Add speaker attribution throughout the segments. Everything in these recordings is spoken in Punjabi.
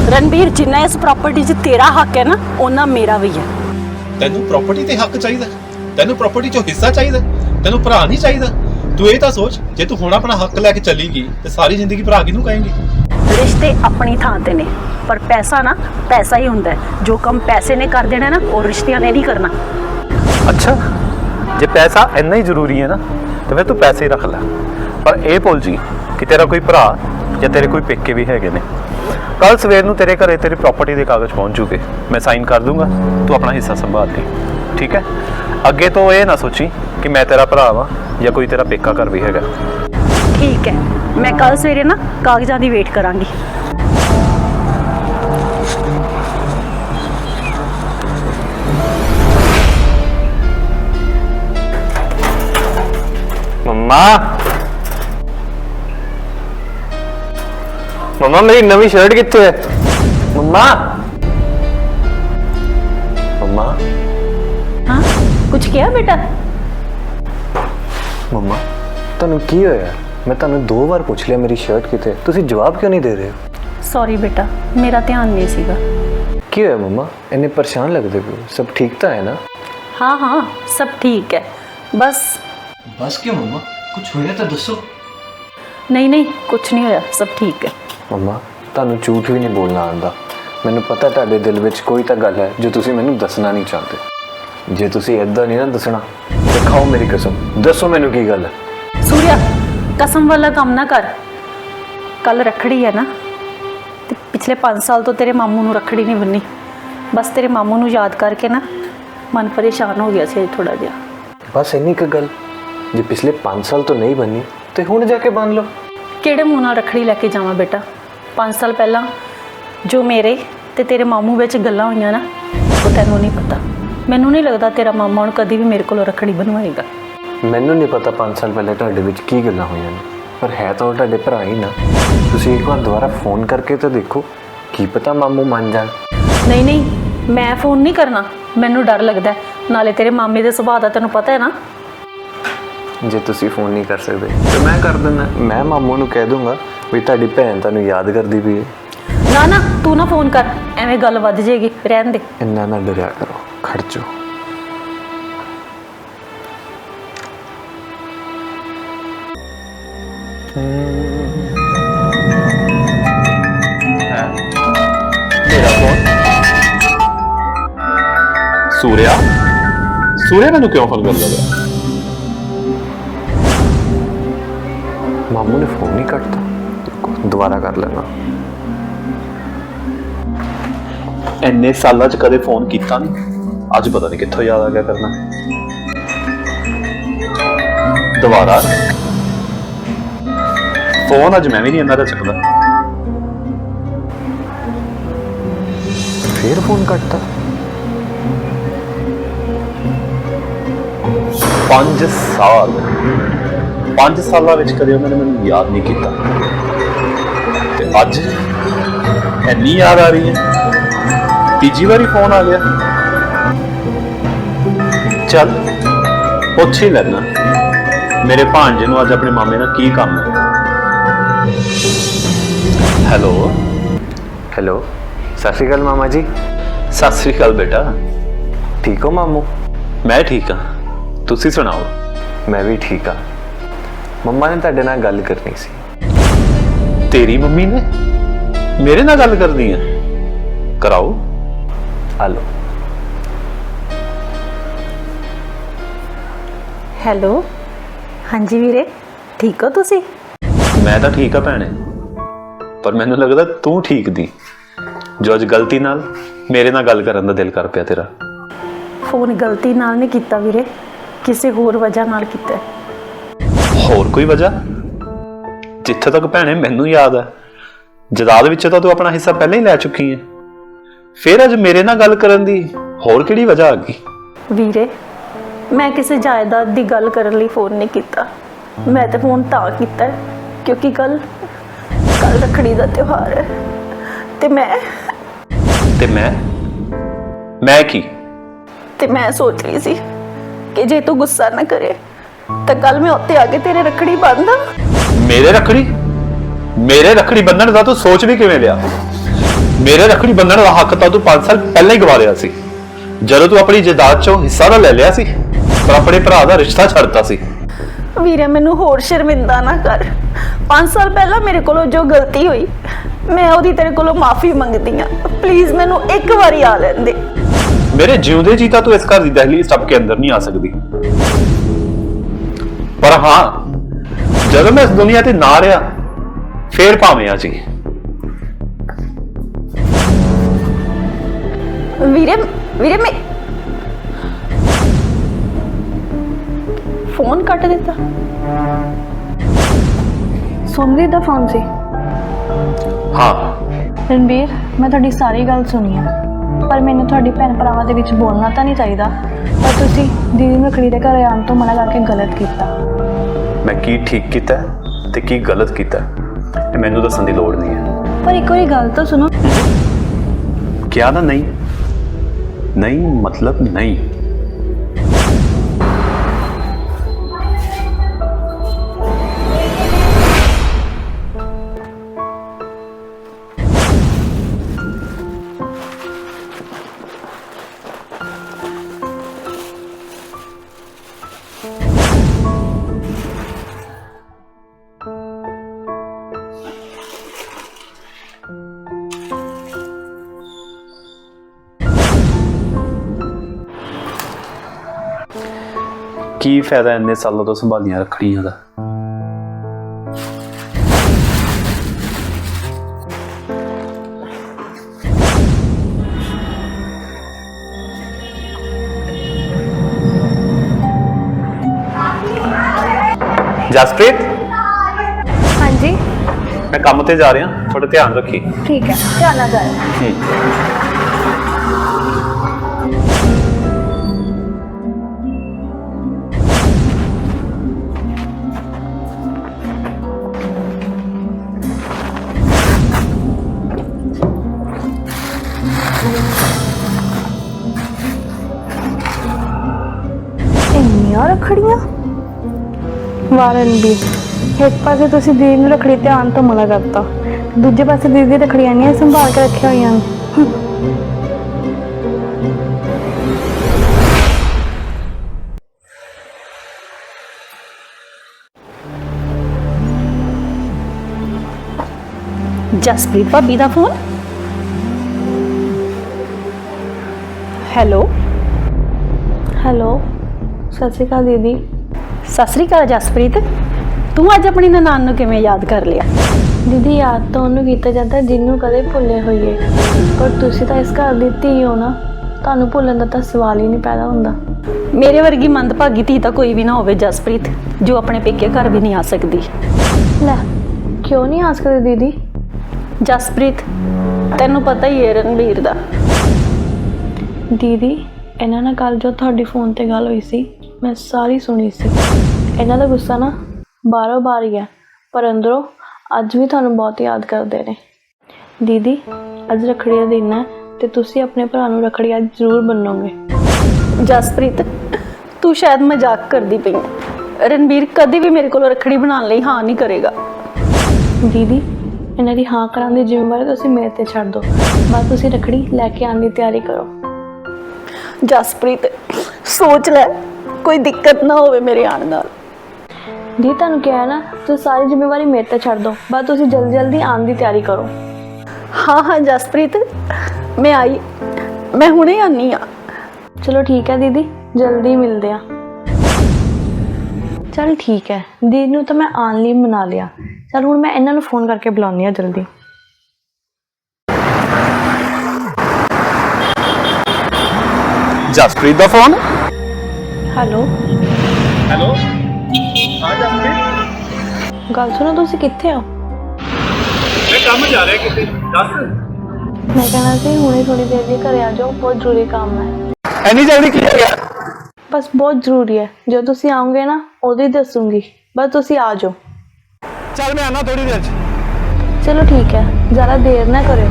Speaker 1: रणबीर जिन्ना इस प्रॉपर्टी 'ਚ तेरा हक है ना उन्ना मेरा भी है।
Speaker 2: ਤੈਨੂੰ ਪ੍ਰਾਪਰਟੀ ਤੇ ਹੱਕ ਚਾਹੀਦਾ, ਤੈਨੂੰ ਪ੍ਰਾਪਰਟੀ 'ਚੋਂ ਹਿੱਸਾ ਚਾਹੀਦਾ, ਤੈਨੂੰ ਭਰਾ ਨਹੀਂ ਚਾਹੀਦਾ। ਤੂੰ ਇਹ ਤਾਂ ਸੋਚ, ਜੇ ਤੂੰ ਹੁਣ ਆਪਣਾ ਹੱਕ ਲੈ ਕੇ ਚੱਲੀਗੀ ਤੇ ਸਾਰੀ ਜ਼ਿੰਦਗੀ ਭਰਾ ਕਿਹਨੂੰ ਕਹੇਂਗੀ?
Speaker 1: रिश्ते अपनी थां ते ने पर पैसा ना पैसा ही हुंदा है। जो काम पैसे ने कर देना ना और रिश्तियां ने नहीं करना।
Speaker 3: अच्छा जे पैसा इन्ना ही जरूरी है ना तो फिर तू पैसे ही रख लै, पर यह भुल जी कि तेरा कोई भरा या तेरे कोई पेके भी हैगे ने। कल सवेर नूं तेरे घरे तेरी प्रॉपर्टी के कागज पहुँच जूगे, मैं साइन कर दूंगा, तू अपना हिस्सा संभाल ली, ठीक है? अगे तो ये ना सोची कि मैं तेरा भरा वा या कोई तेरा पेका घर भी हैगा।
Speaker 1: ठीक है, मैं कल सवेरे ना कागजां दी वेट करांगी।
Speaker 3: मम्मा मम्मा मेरी नवी शर्ट कित्थे है? मम्मा मम्मा
Speaker 1: हाँ कुछ किया बेटा?
Speaker 3: मम्मा ਤੁਹਾਨੂੰ ਕੀ ਹੋਇਆ? मैं ਤੁਹਾਨੂੰ 2 बार पूछ लिया मेरी शर्ट कित्थे, ਤੁਸੀਂ जवाब क्यों नहीं दे रहे हो?
Speaker 1: सॉरी बेटा मेरा ध्यान नहीं सीगा।
Speaker 3: ਕੀ ਹੋਇਆ मम्मा, इन्ने परेशान लगते पे हो? सब ठीक तो है ना?
Speaker 1: हाँ हाँ सब ठीक है, बस
Speaker 3: बस क्यों मम्मा, कुछ होया तो दसो।
Speaker 1: नहीं नहीं कुछ नहीं होया, सब ठीक है।
Speaker 3: मम्मा ਤੁਹਾਨੂੰ ਝੂਠ ਵੀ ਨਹੀਂ ਬੋਲਣਾ ਆਉਂਦਾ। ਮੈਨੂੰ ਪਤਾ ਤੁਹਾਡੇ ਦਿਲ ਵਿੱਚ ਕੋਈ ਤਾਂ ਗੱਲ ਹੈ ਜੋ ਤੁਸੀਂ ਮੈਨੂੰ ਦੱਸਣਾ ਨਹੀਂ ਚਾਹਤੇ। ਜੇ ਤੁਸੀਂ ਇਦਾਂ ਨਹੀਂ ਨਾ ਦੱਸਣਾ ਤੇ ਖਾਓ ਮੇਰੀ ਕਸਮ, ਦੱਸੋ ਮੈਨੂੰ ਕੀ ਗੱਲ ਹੈ।
Speaker 1: सूर्या कसम वाला काम ना कर। कल रखड़ी है ना, ते पिछले 5 साल तो तेरे मामू नू रखड़ी नहीं बन्नी। बस तेरे मामू नू याद करके ना मन परेशान हो गया सी थोड़ा जिहा।
Speaker 3: बस इन्नी क गल, जे पिछले 5 साल तो नहीं बनी तो हुण जाके बन लो।
Speaker 1: किहड़े मूँह नाल रखड़ी लैके जावां बेटा? 5 साल पहला जो मेरे ते तेरे मामू विच गल्लां होईयां ना वो तैनूं नहीं पता। मैनूं नहीं लगदा तेरा मामा हुण कदी भी मेरे कोलों रखड़ी बनवाएगा।
Speaker 3: ਮੈਨੂੰ ਨਹੀਂ ਪਤਾ 5 ਸਾਲ ਪਹਿਲੇ ਤੁਹਾਡੇ ਵਿੱਚ ਕੀ ਗੱਲਾਂ ਹੋਈਆਂ ਨੇ, ਪਰ ਹੈ ਤਾਂ ਉਹ ਤੁਹਾਡੇ ਭਰਾ ਹੀ ਨਾ। ਤੁਸੀਂ ਇੱਕ ਵਾਰ ਦੁਬਾਰਾ ਫੋਨ ਕਰਕੇ ਤਾਂ ਦੇਖੋ, ਕੀ ਪਤਾ ਮਾਮੂ ਮੰਨ ਜਾਣ।
Speaker 1: नहीं नहीं मैं फ़ोन नहीं करना, मैनू डर लगता है। नाले तेरे मामे दे सुभाਅ दा तैनूं पता है ना।
Speaker 3: ਜੇ ਤੁਸੀਂ ਫੋਨ ਨਹੀਂ ਕਰ ਸਕਦੇ ਤਾਂ ਮੈਂ ਕਰ ਦਿੰਦਾ। ਮੈਂ ਮਾਮੂ ਨੂੰ ਕਹਿ ਦੂੰਗਾ ਵੀ ਤੁਹਾਡੀ ਭੈਣ ਤੁਹਾਨੂੰ ਯਾਦ ਕਰਦੀ ਪਈ ਹੈ।
Speaker 1: ना ना तू ना फ़ोन कर, एवें गल वध जाएगी, रहन दे।
Speaker 3: ਇੰਨਾ ਨਾ ਡਰਿਆ ਕਰੋ, ਖੜ ਜਾਓ।
Speaker 2: ਮੇਰਾ ਫੋਨ ਸੂਰਿਆ ਸੂਰਿਆ ਮੈਨੂੰ ਕਿਉਂ ਫੋਨ ਕਰ ਲਿਆ?
Speaker 3: ਮਾਮੂ ਨੇ ਫੋਨ ਨਹੀਂ ਕੱਟਤਾ, ਦੁਬਾਰਾ ਕਰ ਲੈਣਾ।
Speaker 2: ਇੰਨੇ ਸਾਲਾਂ 'ਚ ਕਦੇ ਫੋਨ ਕੀਤਾ ਨਹੀਂ, ਅੱਜ ਪਤਾ ਨਹੀਂ ਕਿੱਥੋਂ ਯਾਦ ਆ ਗਿਆ ਕਰਨਾ। ਦੁਬਾਰਾ ਫੋਨ ਅੱਜ ਮੈਂ ਵੀ ਨਹੀਂ ਇਹਨਾਂ ਦਾ ਚੱਕਦਾ।
Speaker 3: ਫਿਰ ਫੋਨ ਕੱਟਤਾ।
Speaker 2: 5 ਸਾਲਾਂ ਵਿੱਚ ਕਦੇ ਉਹਨਾਂ ਨੇ ਮੈਨੂੰ ਯਾਦ ਨਹੀਂ ਕੀਤਾ ਤੇ ਅੱਜ ਇੰਨੀ ਯਾਦ ਆ ਰਹੀ ਹੈ। ਤੀਜੀ ਵਾਰੀ ਫੋਨ ਆ ਗਿਆ। ਚੱਲ ਪੁੱਛ ਹੀ ਲੈਣਾ ਮੇਰੇ ਭਾਂਜੇ ਨੂੰ ਅੱਜ ਆਪਣੇ ਮਾਮੇ ਨਾਲ ਕੀ ਕੰਮ ਹੈ। ਹੈਲੋ
Speaker 3: ਹੈਲੋ, ਸਤਿ ਸ਼੍ਰੀ ਅਕਾਲ ਮਾਮਾ ਜੀ।
Speaker 2: ਸਤਿ ਸ੍ਰੀ ਅਕਾਲ ਬੇਟਾ।
Speaker 3: ਠੀਕ ਹੋ ਮਾਮੂ?
Speaker 2: ਮੈਂ ਠੀਕ ਹਾਂ, ਤੁਸੀਂ ਸੁਣਾਓ?
Speaker 3: ਮੈਂ ਵੀ ਠੀਕ ਹਾਂ। ਮੰਮਾ ਨੇ ਤੁਹਾਡੇ ਨਾਲ ਗੱਲ ਕਰਨੀ ਸੀ।
Speaker 2: ਤੇਰੀ ਮੰਮੀ ਨੇ ਮੇਰੇ ਨਾਲ ਗੱਲ ਕਰਨੀ ਹੈ? ਕਰਾਓ।
Speaker 3: ਹਲੋ।
Speaker 1: हैलो हाँ जी वीरे, ठीक हो तुसी?
Speaker 2: ਮੈਂ ਤਾਂ ਠੀਕ ਆ ਭੈਣੇ, ਪਰ ਮੈਨੂੰ ਲੱਗਦਾ ਤੂੰ ਠੀਕ ਦੀ, ਜੋ ਅੱਜ ਗਲਤੀ ਨਾਲ ਮੇਰੇ ਨਾਲ ਗੱਲ ਕਰਨ ਦਾ ਦਿਲ ਕਰ ਪਿਆ ਤੇਰਾ।
Speaker 1: फोन गलती नाल नहीं कीता वीरे, किसी होर वजह नाल कीता है।
Speaker 2: ਹੋਰ ਕੋਈ ਵਜ੍ਹਾ? ਜਿੱਥੇ ਤੱਕ ਭੈਣੇ ਮੈਨੂੰ ਯਾਦ ਹੈ, ਜਾਇਦਾਦ ਵਿੱਚ ਤਾਂ ਤੂੰ ਆਪਣਾ ਹਿੱਸਾ ਪਹਿਲਾਂ ਹੀ ਲੈ ਚੁੱਕੀ ਹੈ, ਫਿਰ ਅੱਜ ਮੇਰੇ ਨਾਲ ਗੱਲ ਕਰਨ ਦੀ ਹੋਰ ਕਿਹੜੀ ਵਜ੍ਹਾ ਆ ਗਈ?
Speaker 1: ਵੀਰੇ मैं किसी जायदाद की गल करन लई फोन नहीं कीता, मैं तो फोन तां कीता है क्योंकि कल रखड़ी का त्योहार है ते
Speaker 2: मैं की
Speaker 1: ते मैं सोच रही सी कि जे तू गुस्सा ना करे तो कल मैं उत्ते आके तेरे रखड़ी बंदा।
Speaker 2: मेरे रखड़ी बंधन का तू सोच भी किवें लिया? ਮੇਰੇ ਰੱਖੜੀ ਬੰਨਣ ਦਾ ਹੱਕ ਤਾਂ ਤੂੰ 5 ਸਾਲ ਪਹਿਲਾਂ ਹੀ ਗਵਾ ਲਿਆ ਸੀ, ਜਦੋਂ ਤੂੰ ਆਪਣੀ ਜਾਇਦਾਦ ਚੋਂ ਹਿੱਸਾ ਤਾਂ ਲੈ ਲਿਆ ਸੀ ਪਰ ਆਪਣੇ ਭਰਾ ਦਾ ਰਿਸ਼ਤਾ ਛੱਡਤਾ ਸੀ।
Speaker 1: ਵੀਰੇ ਮੈਨੂੰ ਹੋਰ ਸ਼ਰਮਿੰਦਾ ਨਾ ਕਰ। 5 ਸਾਲ ਪਹਿਲਾਂ ਮੇਰੇ ਕੋਲੋਂ ਜੋ ਗਲਤੀ ਹੋਈ, ਮੈਂ ਉਹਦੀ ਤੇਰੇ ਕੋਲੋਂ ਮਾਫੀ ਮੰਗਦੀ ਆ। ਪਲੀਜ਼ ਮੈਨੂੰ ਇੱਕ ਵਾਰੀ ਆ ਲੈਣ ਦੇ।
Speaker 2: ਮੇਰੇ ਜਿਉਂਦੇ ਜੀ ਤਾਂ ਤੂੰ ਇਸ ਘਰ ਦੀ ਦਹਲੀਜ਼ ਟੱਪ ਕੇ ਅੰਦਰ ਨਹੀਂ ਆ ਸਕਦੀ, ਪਰ ਹਾਂ ਜਦੋਂ ਮੈਂ ਇਸ ਦੁਨੀਆ ਤੇ ਨਾ ਰਿਹਾ ਫੇਰ ਭਾਵੇਂ ਆ ਜੀ।
Speaker 1: ਵੀਰੇ ਮੈਂ ਫੋਨ ਕੱਟ ਦਿੱਤਾ।
Speaker 4: ਸੋਮਰੀ ਦਾ ਫੋਨ ਸੀ।
Speaker 2: ਹਾਂ
Speaker 4: ਰਣਬੀਰ, ਮੈਂ ਤੁਹਾਡੀ ਸਾਰੀ ਗੱਲ ਸੁਣੀ ਆ, ਪਰ ਮੈਨੂੰ ਤੁਹਾਡੀ ਭੈਣ ਭਰਾਵਾਂ ਦੇ ਵਿੱਚ ਬੋਲਣਾ ਤਾਂ ਨਹੀਂ ਚਾਹੀਦਾ, ਪਰ ਤੁਸੀਂ ਦੀਦੀ ਨੂੰ ਰੱਖੜੀ ਦੇ ਘਰ ਆਉਣ ਤੋਂ ਮਨਾ ਕਰਕੇ ਗਲਤ ਕੀਤਾ।
Speaker 2: ਮੈਂ ਕੀ ਠੀਕ ਕੀਤਾ ਤੇ ਕੀ ਗਲਤ ਕੀਤਾ ਇਹ ਮੈਨੂੰ ਦੱਸਣ ਦੀ ਲੋੜ ਨਹੀਂ ਹੈ।
Speaker 4: ਪਰ ਇੱਕ ਵਾਰੀ ਗੱਲ ਤਾਂ ਸੁਣੋ।
Speaker 2: ਕਿਹਾ ਨਾ ਨਹੀਂ, ਨਹੀਂ ਮਤਲਬ ਨਹੀਂ। ਕੀ ਫਾਇਦਾ ਇੰਨੇ ਸਾਲਾਂ ਤੋਂ ਸੰਭਾਲੀਆਂ ਰੱਖੜੀਆਂ ਦਾ। ਜਸਪ੍ਰੀਤ,
Speaker 4: ਹਾਂਜੀ
Speaker 2: ਮੈਂ ਕੰਮ ਤੇ ਜਾ ਰਿਹਾ, ਥੋੜਾ ਧਿਆਨ ਰੱਖੀ।
Speaker 4: ਠੀਕ ਹੈ, ਧਿਆਨ ਨਾਲ ਜਾਇਓ। ਇੰਨੀਆਂ ਰੱਖੜੀਆਂ। ਵਾਹ ਰਣਬੀਰ, ਇੱਕ ਪਾਸੇ ਤੁਸੀਂ ਦੀਦੀ ਨੂੰ ਰੱਖੜੀ ਤੇ ਆਉਣ ਤੋਂ ਮਨਾ ਕਰਤਾ, ਦੂਜੇ ਪਾਸੇ ਦੀਦੀ ਦੀ ਰੱਖੜੀਆਂ ਨਹੀਂ ਸੰਭਾਲ ਕੇ ਰੱਖੀਆਂ ਹੋਈਆਂ ਨੇ।
Speaker 1: ਜਸਪ੍ਰੀਤ ਭਾਬੀ ਦਾ ਫੋਨ। ਹੈਲੋ
Speaker 4: ਹੈਲੋ, ਸਤਿ ਸ਼੍ਰੀ ਅਕਾਲ ਦੀਦੀ।
Speaker 1: ਸਤਿ ਸ੍ਰੀ ਅਕਾਲ ਜਸਪ੍ਰੀਤ, ਤੂੰ ਅੱਜ ਆਪਣੀ ਨਨਾਣ ਨੂੰ ਕਿਵੇਂ ਯਾਦ ਕਰ ਲਿਆ?
Speaker 4: ਦੀਦੀ, ਯਾਦ ਤਾਂ ਉਹਨੂੰ ਕੀਤਾ ਜਾਂਦਾ ਜਿਹਨੂੰ ਕਦੇ ਭੁੱਲੇ ਹੋਈਏ, ਪਰ ਤੁਸੀਂ ਤਾਂ ਇਸ ਘਰ ਦੀ ਧੀ ਹੋ ਨਾ, ਤੁਹਾਨੂੰ ਭੁੱਲਣ ਦਾ ਤਾਂ ਸਵਾਲ ਹੀ ਨਹੀਂ ਪੈਦਾ ਹੁੰਦਾ।
Speaker 1: ਮੇਰੇ ਵਰਗੀ ਮੰਦਭਾਗੀ ਧੀ ਤਾਂ ਕੋਈ ਵੀ ਨਾ ਹੋਵੇ ਜਸਪ੍ਰੀਤ, ਜੋ ਆਪਣੇ ਪੇਕੇ ਘਰ ਵੀ ਨਹੀਂ ਆ ਸਕਦੀ।
Speaker 4: ਲੈ, ਕਿਉਂ ਨਹੀਂ ਆ ਸਕਦੇ ਦੀਦੀ?
Speaker 1: ਜਸਪ੍ਰੀਤ, ਤੈਨੂੰ ਪਤਾ ਹੀ ਹੈ ਰਣਬੀਰ ਦਾ।
Speaker 4: ਦੀਦੀ, ਇਹਨਾਂ ਨਾਲ ਕੱਲ ਜੋ ਤੁਹਾਡੀ ਫੋਨ ਤੇ ਗੱਲ ਹੋਈ ਸੀ, ਮੈਂ ਸਾਰੀ ਸੁਣੀ ਸੀ। ਇਹਨਾਂ ਦਾ ਗੁੱਸਾ ਨਾ ਬਾਹਰੋਂ ਬਾਹਰ ਹੀ ਹੈ, ਪਰ ਅੰਦਰੋਂ ਅੱਜ ਵੀ ਤੁਹਾਨੂੰ ਬਹੁਤ ਯਾਦ ਕਰਦੇ ਨੇ। ਦੀਦੀ, ਅੱਜ ਰੱਖੜੀ ਦਾ ਦਿਨ ਹੈ ਤੇ ਤੁਸੀਂ ਆਪਣੇ ਭਰਾ ਨੂੰ ਰੱਖੜੀ ਅੱਜ ਜ਼ਰੂਰ ਬੰਨੋਗੇ।
Speaker 1: ਜਸਪ੍ਰੀਤ, ਤੂੰ ਸ਼ਾਇਦ ਮਜ਼ਾਕ ਕਰਦੀ ਪਈ ਹੈ। ਰਣਬੀਰ ਕਦੇ ਵੀ ਮੇਰੇ ਕੋਲ ਰੱਖੜੀ ਬਣਾਉਣ ਲਈ ਹਾਂ ਨਹੀਂ ਕਰੇਗਾ।
Speaker 4: ਦੀਦੀ, ਇਹਨਾਂ ਦੀ ਹਾਂ ਕਰਾਉਣ ਦੀ ਜ਼ਿੰਮੇਵਾਰੀ ਤੁਸੀਂ ਮੇਰੇ ਤੇ ਛੱਡ ਦਿਓ, ਬਸ ਤੁਸੀਂ ਰੱਖੜੀ ਲੈ ਕੇ ਆਉਣ ਦੀ ਤਿਆਰੀ ਕਰੋ।
Speaker 1: ਜਸਪ੍ਰੀਤ, ਸੋਚ ਲੈ, ਕੋਈ ਦਿੱਕਤ ਨਾ ਹੋਵੇ ਮੇਰੇ ਆਉਣ ਨਾਲ।
Speaker 4: ਜੀ ਤੁਹਾਨੂੰ ਕਿਹਾ ਨਾ, ਤੁਸੀਂ ਸਾਰੀ ਜ਼ਿੰਮੇਵਾਰੀ ਮੇਰੇ ਤੇ ਛੱਡ ਦਿਓ, ਬਸ ਤੁਸੀਂ ਜਲਦੀ ਜਲਦੀ ਆਉਣ ਦੀ ਤਿਆਰੀ ਕਰੋ।
Speaker 1: ਹਾਂ ਜਸਪ੍ਰੀਤ, ਮੈਂ ਹੁਣੇ ਆਨੀ ਆ।
Speaker 4: ਚਲੋ ਠੀਕ ਹੈ ਦੀਦੀ, ਜਲਦੀ ਮਿਲਦੇ ਆ। ਚਲ ਠੀਕ ਹੈ, ਦੀਦੀ ਨੂੰ ਤਾਂ ਮੈਂ ਆਉਣ ਲਈ ਮਨਾ ਲਿਆ। ਚਲ ਹੁਣ ਮੈਂ ਇਹਨਾਂ ਨੂੰ ਫੋਨ ਕਰਕੇ ਬੁਲਾਉਂਦੀ ਹਾਂ ਜਲਦੀ।
Speaker 2: ਜਸਪ੍ਰੀਤ ਦਾ ਫੋਨ।
Speaker 4: ਹੈਲੋ
Speaker 2: ਹੈਲੋ, ਹਾਂ ਜਸਪ੍ਰੀਤ।
Speaker 4: ਗੱਲ ਸੁਣੋ, ਤੁਸੀਂ ਕਿੱਥੇ ਹੋ?
Speaker 2: ਮੈਂ ਕੰਮ ਜਾ ਰਿਹਾ ਕਿਤੇ, ਦੱਸ।
Speaker 4: ਮੈਂ ਕਹਿਣਾ ਸੀ ਹੁਣੇ ਥੋੜੀ ਦੇਰ ਲਈ ਘਰੇ ਆ ਜਾਓ, ਬਹੁਤ ਜ਼ਰੂਰੀ ਕੰਮ ਹੈ।
Speaker 2: ਐਨੀ ਜਲਦੀ ਕੀ ਹੋ ਗਿਆ?
Speaker 4: ਬਸ ਬਹੁਤ ਜ਼ਰੂਰੀ ਹੈ, ਜਦੋਂ ਤੁਸੀਂ ਆਓਗੇ ਨਾ ਉਦੋਂ ਹੀ ਦੱਸੂਗੀ, ਬਸ ਤੁਸੀਂ ਆ ਜਾਓ।
Speaker 2: ਚੱਲ ਮੈਂ ਆਣਾ ਥੋੜੀ ਦੇਰ ਚ।
Speaker 4: ਚਲੋ ਠੀਕ ਹੈ, ਜ਼ਿਆਦਾ ਦੇਰ ਨਾ ਕਰਿਓ।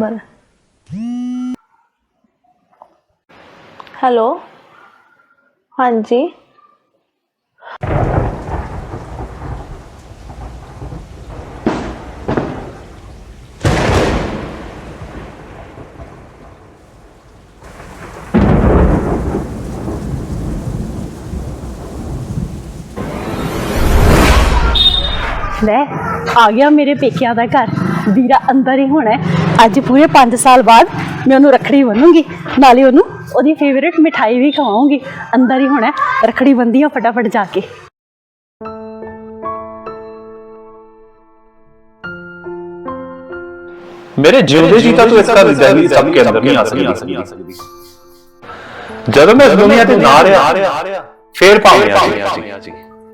Speaker 4: ਨੰਬਰ। ਹੈਲੋ, ਹਾਂਜੀ।
Speaker 1: ਲੈ ਆ ਗਿਆ ਮੇਰੇ ਪੇਕਿਆਂ ਦਾ ਘਰ। ਵੀਰਾ ਅੰਦਰ ਹੀ ਹੋਣਾ ਹੈ। ਅੱਜ ਪੂਰੇ 5 ਸਾਲ ਬਾਅਦ ਮੈਂ ਉਹਨੂੰ ਰੱਖੜੀ ਬੰਨੂੰਗੀ, ਨਾਲੇ ਉਹਨੂੰ ਉਹਦੀ ਫੇਵਰੇਟ ਮਿਠਾਈ ਵੀ ਖਵਾਉਂਗੀ। ਅੰਦਰ ਹੀ ਹੋਣਾ ਹੈ, ਰੱਖੜੀ ਬੰਨ੍ਹਦੀ ਆ ਫਟਾਫਟ ਜਾ ਕੇ।
Speaker 2: ਮੇਰੇ ਜਿਉਂਦੇ ਜੀ ਤਾਂ ਤੂੰ ਇਸ ਘਰ ਦੀ ਦਹਲੀਜ਼ ਸਭ ਕੇ ਅੰਦਰ ਨਹੀਂ ਆ ਸਕਦੀ। ਜਦੋਂ ਮੈਂ ਇਸ ਦੁਨੀਆ ਤੇ ਨਾ ਰਿਹਾ ਫੇਰ ਭਾਵੇਂ ਆ ਜੀ।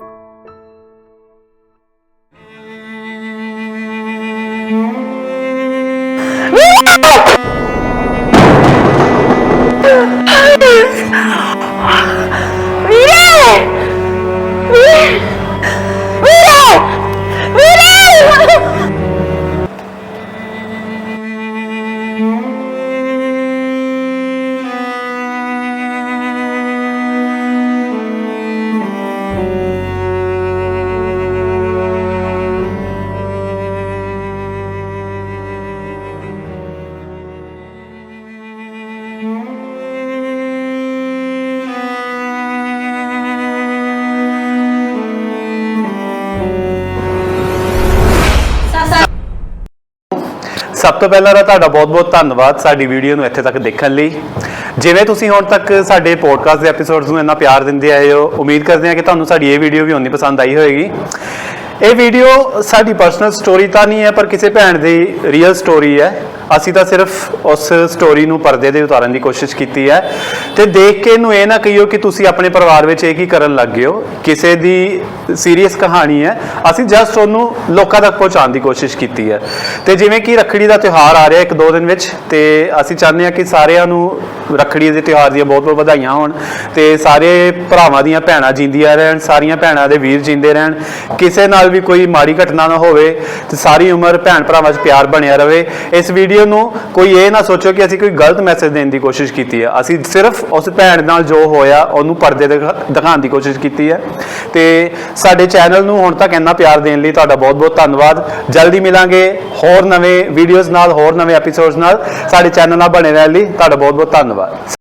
Speaker 3: ਸਭ ਤੋਂ ਪਹਿਲਾਂ ਤਾਂ ਤੁਹਾਡਾ ਬਹੁਤ-ਬਹੁਤ ਧੰਨਵਾਦ ਸਾਡੀ ਵੀਡੀਓ ਨੂੰ ਇੱਥੇ ਤੱਕ ਦੇਖਣ ਲਈ। ਜਿਵੇਂ ਤੁਸੀਂ ਹੁਣ ਤੱਕ ਸਾਡੇ ਪੋਡਕਾਸਟ ਦੇ ਐਪੀਸੋਡਸ ਨੂੰ ਇੰਨਾ ਪਿਆਰ ਦਿੰਦੇ ਆਏ ਹੋ, ਉਮੀਦ ਕਰਦੇ ਹਾਂ ਕਿ ਤੁਹਾਨੂੰ ਸਾਡੀ ਇਹ ਵੀਡੀਓ ਵੀ ਉਨੀ ਪਸੰਦ ਆਈ ਹੋਏਗੀ। ਇਹ ਵੀਡੀਓ ਸਾਡੀ ਪਰਸਨਲ ਸਟੋਰੀ ਤਾਂ ਨਹੀਂ ਹੈ, ਪਰ ਕਿਸੇ ਭੈਣ ਦੀ ਰੀਅਲ ਸਟੋਰੀ ਹੈ। ਅਸੀਂ ਤਾਂ ਸਿਰਫ ਉਸ ਸਟੋਰੀ ਨੂੰ ਪਰਦੇ ਤੇ ਉਤਾਰਨ ਦੀ ਕੋਸ਼ਿਸ਼ ਕੀਤੀ ਹੈ ਤੇ ਦੇਖ ਕੇ ਇਹਨੂੰ ਇਹ ਨਾ ਕਹੀਓ ਕਿ ਤੁਸੀਂ ਆਪਣੇ ਪਰਿਵਾਰ ਵਿੱਚ ਇਹ ਕੀ ਕਰਨ ਲੱਗ ਗਏ ਹੋ। ਕਿਸੇ ਦੀ ਸੀਰੀਅਸ ਕਹਾਣੀ ਹੈ, ਅਸੀਂ ਜਸਟ ਉਹਨੂੰ ਲੋਕਾਂ ਤੱਕ ਪਹੁੰਚਾਉਣ ਦੀ ਕੋਸ਼ਿਸ਼ ਕੀਤੀ ਹੈ। ਤੇ ਜਿਵੇਂ ਕਿ ਰੱਖੜੀ ਦਾ ਤਿਉਹਾਰ ਆ ਰਿਹਾ 1-2 ਦਿਨ ਵਿੱਚ, ਤੇ ਅਸੀਂ ਚਾਹੁੰਦੇ ਹਾਂ ਕਿ ਸਾਰਿਆਂ ਨੂੰ ਰੱਖੜੀ ਦੇ ਤਿਉਹਾਰ ਦੀਆਂ ਬਹੁਤ-ਬਹੁਤ ਵਧਾਈਆਂ ਹੋਣ ਤੇ ਸਾਰੇ ਭਰਾਵਾਂ ਦੀਆਂ ਭੈਣਾਂ ਜਿੰਦੀਆਂ ਰਹਿਣ, ਸਾਰੀਆਂ ਭੈਣਾਂ ਦੇ ਵੀਰ ਜਿੰਦੇ ਰਹਿਣ, ਕਿਸੇ ਨਾਲ ਵੀ ਕੋਈ ਮਾੜੀ ਘਟਨਾ ਨਾ ਹੋਵੇ ਤੇ ਸਾਰੀ ਉਮਰ ਭੈਣ ਭਰਾਵਾਂ 'ਚ ਪਿਆਰ ਬਣਿਆ ਰਹੇ। ਇਸ ਵੀਡੀਓ ਨੂੰ ਕੋਈ ਇਹ ਨਾ ਸੋਚੋ ਕਿ ਅਸੀਂ ਕੋਈ ਗਲਤ ਮੈਸੇਜ ਦੇਣ ਦੀ ਕੋਸ਼ਿਸ਼ ਕੀਤੀ ਹੈ। ਅਸੀਂ ਸਿਰਫ ਉਸ ਭੈਣ ਨਾਲ ਜੋ ਹੋਇਆ ਉਹਨੂੰ ਪਰਦੇ ਤੇ ਦਿਖਾਉਣ ਦੀ ਕੋਸ਼ਿਸ਼ ਕੀਤੀ ਹੈ। ਤੇ ਸਾਡੇ ਚੈਨਲ ਨੂੰ ਹੁਣ ਤੱਕ ਇੰਨਾ ਪਿਆਰ ਦੇਣ ਲਈ ਤੁਹਾਡਾ ਬਹੁਤ-ਬਹੁਤ ਧੰਨਵਾਦ। ਜਲਦੀ ਮਿਲਾਂਗੇ ਹੋਰ ਨਵੇਂ ਵੀਡੀਓਜ਼ ਨਾਲ, ਹੋਰ ਨਵੇਂ ਐਪੀਸੋਡਸ ਨਾਲ। ਸਾਡੇ ਚੈਨਲ ਨਾਲ ਬਣੇ ਰਹਿਣ ਲਈ ਤੁਹਾਡਾ ਬਹੁਤ-ਬਹੁਤ ਧੰਨਵਾਦ।